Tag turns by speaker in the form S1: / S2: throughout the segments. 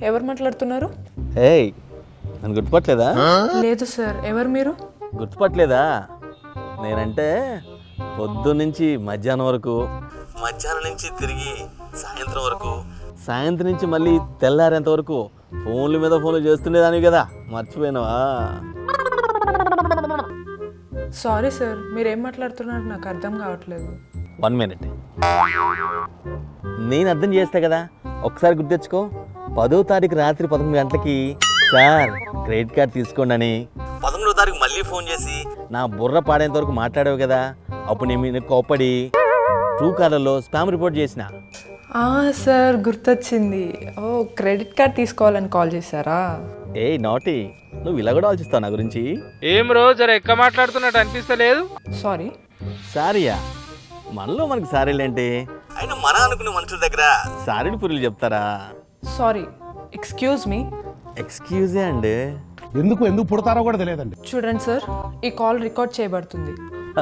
S1: ఎవరు మాట్లాడుతున్నారు?
S2: ఏయ్, నన్ను గుర్తుపట్టలేదా?
S1: లేదు సార్, ఎవరు మీరు?
S2: గుర్తుపట్టలేదా? నేనంటే పొద్దున్నుంచి మధ్యాహ్నం వరకు, మధ్యాహ్నం నుంచి తిరిగి సాయంత్రం వరకు, సాయంత్రం నుంచి మళ్ళీ తెల్లారేంత వరకు ఫోన్ల మీద ఫోన్లు చేస్తుండేదానివి కదా, మర్చిపోయినావా?
S1: సారీ సార్, మీరేం మాట్లాడుతున్నారు నాకు అర్థం కావట్లేదు.
S2: 1 minute. నేను అర్థం చేస్తా కదా, ఒకసారి గుర్తెచ్చుకో. 10వ తారీఖు రాత్రి 11 గంటలకి సార్ క్రెడిట్ కార్డ్ తీసుకోండి అని 11వ తారీఖు మళ్ళీ ఫోన్ చేసి నా బుర్ర పాడేంత వరకు మాట్లాడావు కదా. అప్పుడు నేను మీద కోప్పడి ట్రూ కాలర్లో స్పామ్ రిపోర్ట్ చేసిన.
S1: సార్ గుర్తొచ్చింది. ఓ, క్రెడిట్ కార్డ్ తీసుకోవాలని కాల్ చేశారా?
S2: ఏ నాటి, నువ్వు ఇలా కూడా ఆలోచిస్తావు నా గురించి?
S3: ఏం రోజు జర ఎక్క మాట్లాడుతున్నట్టు అనిపిస్తలేదు.
S1: సారీ.
S2: సారీయా? మనలో మనకి సారీలేంటి? అయినా మన అనుకునే మనుషుల దగ్గర సారీలు పురులు చెప్తారా?
S1: Sorry, excuse me.
S2: ఎక్స్క్యూజే అండి.
S4: ఎందుకు పుడతారో కూడా తెలియదండి.
S1: చూడండి సార్, ఈ కాల్ రికార్డ్ చేయబడుతుంది.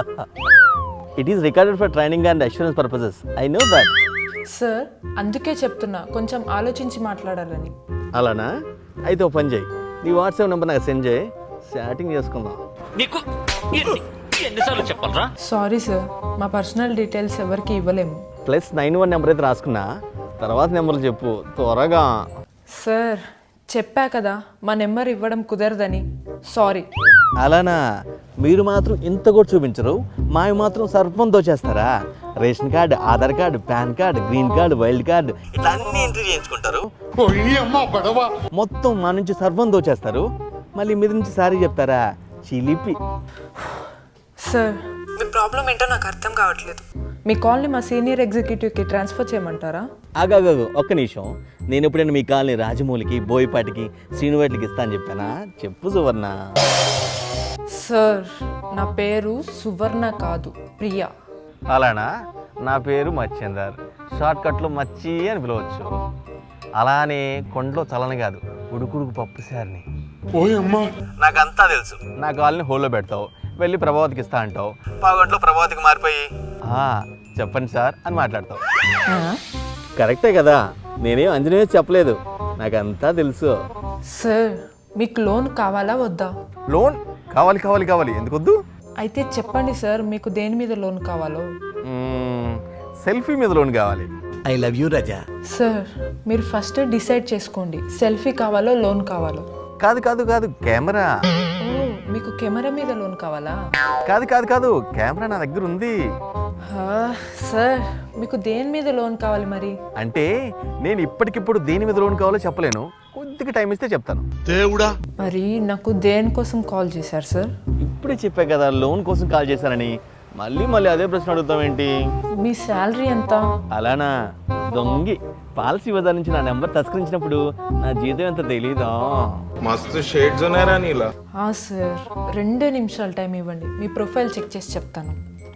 S2: It is recorded for training and assurance purposes. I know that.
S1: Sir, అందుకే చెప్తున్నా కొంచెం ఆలోచించి మాట్లాడాలని.
S2: అలానా? అయితే ఓ పని చేయి, నీ వాట్సాప్ నెంబర్ నాకు సెండ్ చేయి, చాటింగ్ చేసుకుందాం.
S5: నీకు ఎన్నిసార్లు చెప్పాలరా?
S1: సారీ సార్, మా పర్సనల్ డీటెయిల్స్ ఎవరికి ఇవ్వలేము.
S2: +91 నెంబర్ అయితే రాసుకున్నా, తర్వాత నెంబర్లు చెప్పు త్వరగా.
S1: సార్, చెప్పా కదా మా నెంబర్ ఇవ్వడం కుదరదని. సారీ.
S2: అలానా? మీరు మాత్రం ఇంత కూడా చూపించరు, మావి మాత్రం సర్పం దోచేస్తారా? Ration card, Aadhaar card, PAN card, green card, wild card ఇట్లా అన్ని ఎంట్రీ చేయించుకుంటారు. మొత్తం మా నుంచి సర్పం దోచేస్తారు, మళ్ళీ మీద నుంచి సారీ చెప్తారా? చిలిపి.
S1: సార్, మీ ప్రాబ్లం ఏంటో నాకు అర్థం కావట్లేదు. మీ కాల్ని మా సీనియర్ ఎగ్జిక్యూటివ్కి ట్రాన్స్ఫర్ చేయమంటారా?
S2: ఆగాగు, ఒక్క నిమిషం. నేను ఎప్పుడైనా మీ కాలనీ రాజమౌళికి, బోయపాటికి, శ్రీనువేట్లకి ఇస్తా అని చెప్పానా? చెప్పు సువర్ణ.
S1: సార్, నా పేరు సువర్ణ కాదు, ప్రియా.
S2: అలానా? నా పేరు మచ్చేందర్, షార్ట్ కట్లో మచ్చి అని పిలవచ్చు. అలానే కొండలో చలని కాదు, ఉడుకుడుకు పప్పు సార్ని. నాకంతా తెలుసు. నా కాలనీ హోల్లో పెడతావు, వెళ్ళి ప్రభావతికి ఇస్తా అంటావు, పావుగంటలో ప్రభావతికి మారిపోయి చెప్పండి సార్ అని మాట్లాడతావు. కరెక్టే కదా, నేనేం అంజనేయ చెప్పలేదు, నాకంతా తెలుసు.
S1: సార్, మీకు లోన్ కావాలా వద్దా?
S2: లోన్ కావాలి కావాలి కావాలి, ఎందుకు వద్దు?
S1: అయితే చెప్పండి సార్, మీకు దేని మీద లోన్ కావాలో.
S2: సెల్ఫీ మీద లోన్ కావాలి.
S5: I love you Raja.
S1: Sir, మీరు ఫస్ట్ డిసైడ్ చేసుకోండి, సెల్ఫీ కావాలో లోన్ కావాలో.
S2: కాదు కాదు కాదు, కెమెరా.
S1: ఓ, మీకు కెమెరా మీద లోన్ కావాలా?
S2: కాదు కాదు కాదు, కెమెరా నా దగ్గర ఉంది.
S1: సార్, మీకు దేని మీద లోన్ కావాలి మరి?
S2: అంటే నేను ఇప్పటికిప్పుడు దేని మీద లోన్ కావాలో చెప్పలేను, కొద్దిగా టైం ఇస్తే చెప్తాను. దేవుడా,
S1: మరి నాకు దేనికోసం కాల్ చేశారు సార్?
S2: ఇప్పుడే చెప్పా కదా లోన్ కోసం కాల్ చేశానని, మళ్ళీ మళ్ళీ అదే ప్రశ్న అడుగుతాం ఏంటి?
S1: మీ శాలరీ ఎంత?
S2: అలానా? దొంగి, పాలసీ బజార్ నుంచి నా నెంబర్ తస్కరించినప్పుడు నా జీతం ఎంత తెలీదా?
S3: మస్తు షేడ్స్ ఉన్నారా నీలా?
S1: సార్, 2 నిమిషాలు టైం ఇవ్వండి, మీ ప్రొఫైల్ చెక్ చేసి చెప్తాను.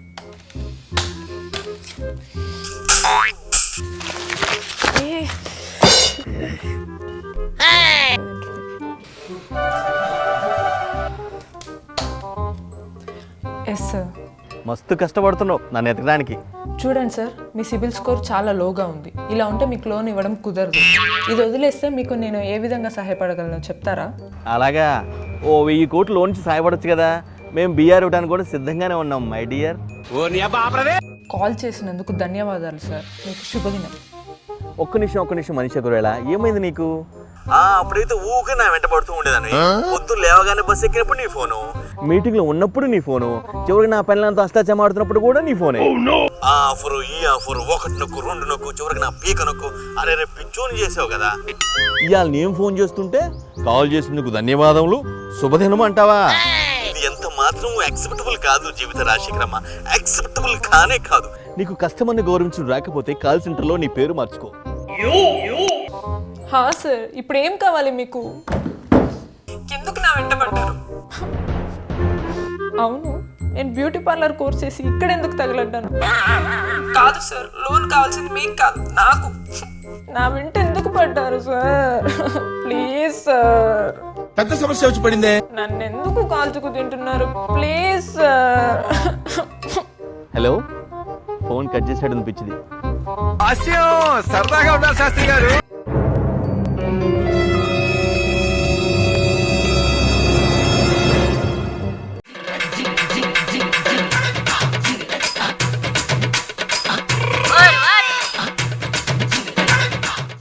S1: Yes sir.
S2: మస్తు కష్టపడుతున్నావు నన్ను ఎతకడానికి.
S1: చూడండి సార్, మీ సిబిల్ స్కోర్ చాలా లోగా ఉంది. ఇలా ఉంటే మీకు లోన్ ఇవ్వడం కుదరదు. ఇది వదిలేస్తే మీకు నేను ఏ విధంగా సహాయపడగలను చెప్తారా?
S2: అలాగా, ఓ 1000 కోట్లు లోన్ నుంచి సహాయపడచ్చు కదా. మేము బీఆర్ ఇవ్వడానికి కూడా సిద్ధంగానే ఉన్నాం మై డియర్.
S1: కాల్ చేసినందుకు ధన్యవాదాలు సార్, మీకు శుభదినం.
S2: ఒక్క నిమిషం మనిషి గురేలా, ఏమైంది నీకు? అప్పుడైతే ఊకే నా వెంట పడుతూ ఉండేదాన్ని. పొద్దున్న లేవగానే బస్సు ఎక్కినప్పుడు నీ ఫోను, మీటింగ్ లో ఉన్నప్పుడు నీ ఫోను, చివరికి నా పనులంతా అష్టాచమాడుతున్నప్పుడు కూడా నీ ఫోనే. ఆఫరు ఈ ఆఫరు, 1 నొక్కు 2 నొక్కు, చివరికి నా పీక నొక్కు. అరే రే పిచ్చోని చేసావు కదా. ఇవాళ నేను ఫోన్ చేస్తుంటే కాల్ చేసినందుకు ధన్యవాదములు, శుభదినం అంటావా? ఇది ఎంత మాత్రం యాక్సెప్టబుల్ కాదు జీవిత రాశిక్రమ, యాక్సెప్టబుల్ కానే కాదు. నీకు కస్టమర్ని గౌరవించడం రాకపోతే కాల్ సెంటర్లో నీ పేరు మార్చుకో.
S1: సార్, ఇప్పుడు ఏం కావాలి మీకు? ఎందుకు నా వెంట పడ్డారు? అవును, నేను బ్యూటీ పార్లర్ కోర్స్ చేసి ఇక్కడ ఎందుకు తగలడ్డాను? కాదు సార్, లోన్ కావాల్సింది మీకు కాదు, నాకు. నా వెంట ఎందుకు పడ్డారు సార్? Please sir.
S4: పెద్ద సమస్య వచ్చి పడిందే.
S1: నన్ను ఎందుకు కాల్చుకు తింటున్నారు? Please sir.
S2: Hello, phone cut చేసాడు అనిపించింది.
S3: సరదాగా ఉన్నారు శాస్త్రి గారు.